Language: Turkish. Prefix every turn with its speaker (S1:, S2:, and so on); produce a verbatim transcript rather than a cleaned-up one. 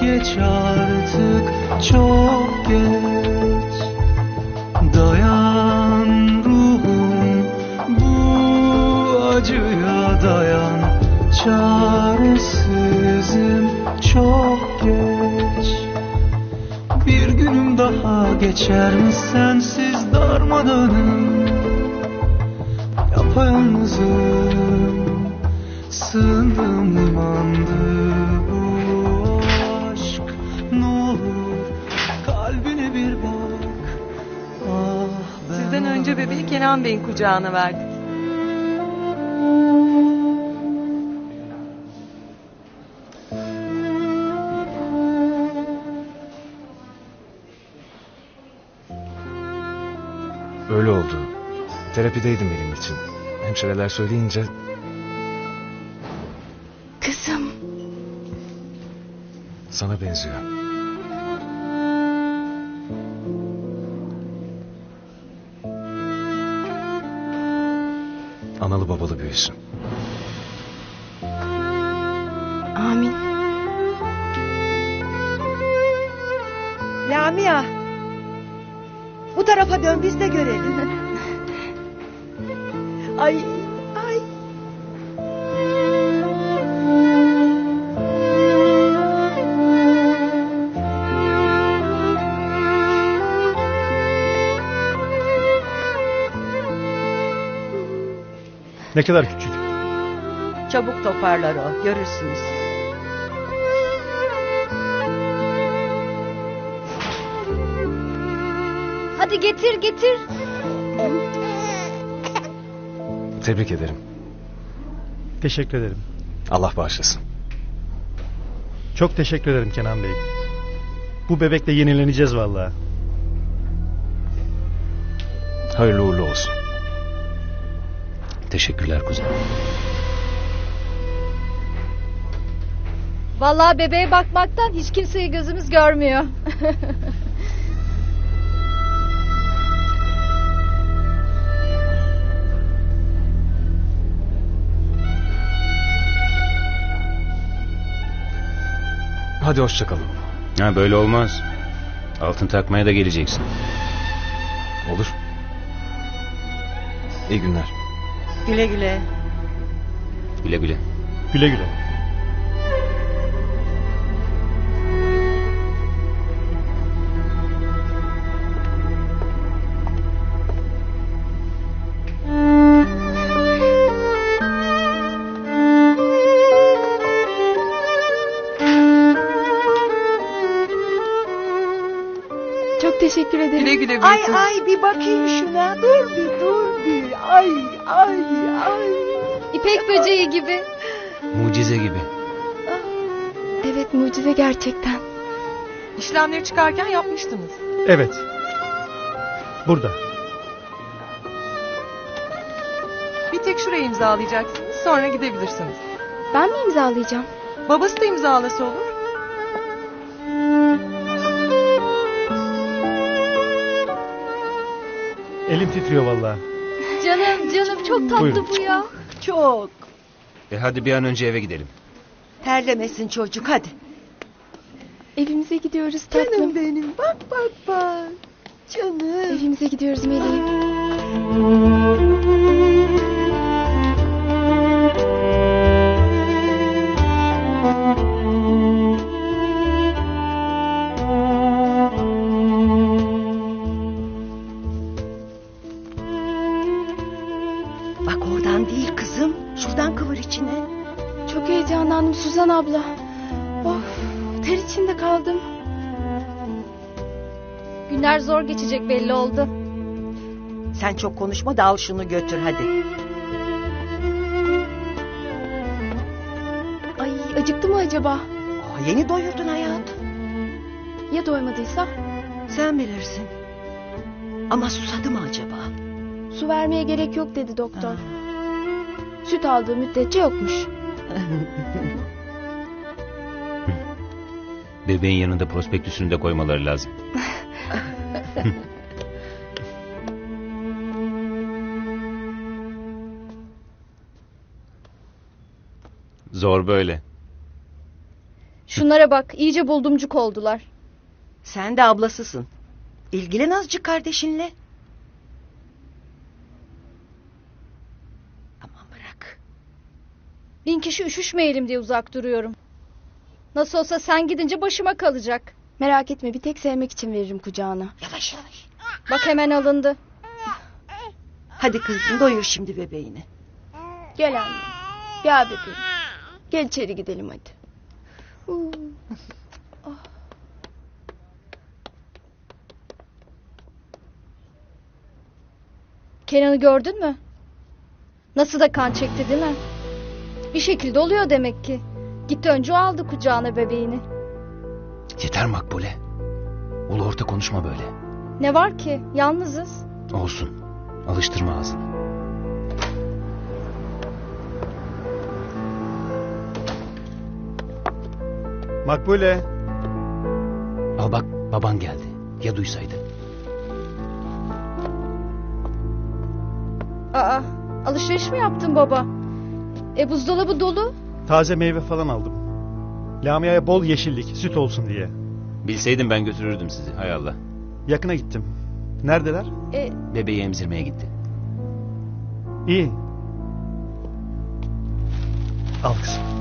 S1: geç artık, çok geç. Dayan ruhum, bu acıya dayan. Çaresizim, çok geç. Bir günüm daha geçer mi sensiz darmadağınım? Yapayalnızım, sığındığım limandı bu aşk. Ne olur kalbine bir bak. Ah, ben
S2: Sizden önce bebeği Kenan Bey'in kucağına verdik.
S3: Öyle oldu. Terapideydim benim için. Hemşireler söyleyince...
S4: Kızım.
S3: Sana benziyor. Analı babalı büyüsün.
S4: Amin.
S5: Lamia. Bu tarafa dön, biz de görelim. Ay, ay.
S6: Ne kadar küçük.
S5: Çabuk toparlar o, görürsünüz.
S4: Hadi getir getir.
S3: Tebrik ederim.
S6: Teşekkür ederim.
S3: Allah bağışlasın.
S6: Çok teşekkür ederim Kenan Bey. Bu bebekle yenileneceğiz vallahi.
S3: Hayırlı uğurlu olsun.
S7: Teşekkürler kuzen.
S4: Vallahi bebeğe bakmaktan hiç kimseyi gözümüz görmüyor.
S3: Hadi hoşça kalın.
S7: Ha, böyle olmaz. Altın takmaya da geleceksin.
S3: Olur. İyi günler.
S5: Güle güle.
S7: Güle güle.
S6: Güle güle.
S4: Çok teşekkür ederim.
S2: Güle güle
S5: Ay
S2: büyüsün.
S5: ay, bir bakayım şuna. Dur bir, dur bir. Ay ay ay.
S4: İpek böceği gibi.
S7: Mucize gibi.
S4: Evet, mucize gerçekten.
S2: İşlemleri çıkarken yapmıştınız.
S6: Evet. Burada.
S2: Bir tek şurayı imzalayacaksınız, sonra gidebilirsiniz.
S4: Ben mi imzalayacağım?
S2: Babası da imzalası olur.
S6: Elim titriyor vallahi.
S4: Canım canım çok tatlı
S6: Buyurun.
S4: bu ya.
S5: Çok.
S7: E hadi bir an önce eve gidelim.
S5: Terlemesin çocuk, hadi.
S4: Evimize gidiyoruz tatlım.
S5: Canım benim, bak bak bak. Canım.
S4: Evimize gidiyoruz meleğim.
S5: Bak oradan değil kızım. Şuradan kıvır içine.
S4: Çok heyecanlandım Suzan abla. Of, ter içinde kaldım. Günler zor geçecek belli oldu.
S5: Sen çok konuşma da al şunu götür hadi.
S4: Ay, acıktı mı acaba?
S5: Aa, yeni doyurdun hayatım.
S4: Ya doymadıysa?
S5: Sen bilirsin. Ama susadı mı acaba?
S4: Su vermeye gerek yok dedi doktor. Süt aldığı müddetçe yokmuş.
S7: Bebeğin yanında prospektüsünü de koymaları lazım. Zor böyle.
S8: Şunlara bak, iyice buldumcuk oldular.
S5: Sen de ablasısın. İlgilen azıcık kardeşinle. Aman bırak.
S8: Bin kişi üşüşmeyelim diye uzak duruyorum. Nasıl olsa sen gidince başıma kalacak.
S4: Merak etme, bir tek sevmek için veririm kucağına.
S5: Yavaş yavaş.
S8: Bak hemen alındı.
S5: Hadi kızım doyur şimdi bebeğini.
S4: Gel anne. Gel bebeğim. Gel içeri gidelim hadi. Huu.
S8: Kenan'ı gördün mü? Nasıl da kan çekti değil mi? Bir şekilde oluyor demek ki. Gitti önce o aldı kucağına bebeğini.
S7: Yeter Makbule. Ulu orta konuşma böyle.
S8: Ne var ki? Yalnızız.
S7: Olsun. Alıştırma ağzını.
S6: Makbule.
S7: Al bak baban geldi. Ya duysaydı.
S8: Aa, alışveriş mi yaptın baba? E buzdolabı dolu.
S6: Taze meyve falan aldım. Lamia'ya bol yeşillik, süt olsun diye.
S7: Bilseydim ben götürürdüm sizi. Hay Allah.
S6: Yakına gittim. Neredeler?
S8: E,
S7: Bebeği emzirmeye gitti.
S6: İyi. Al kızım.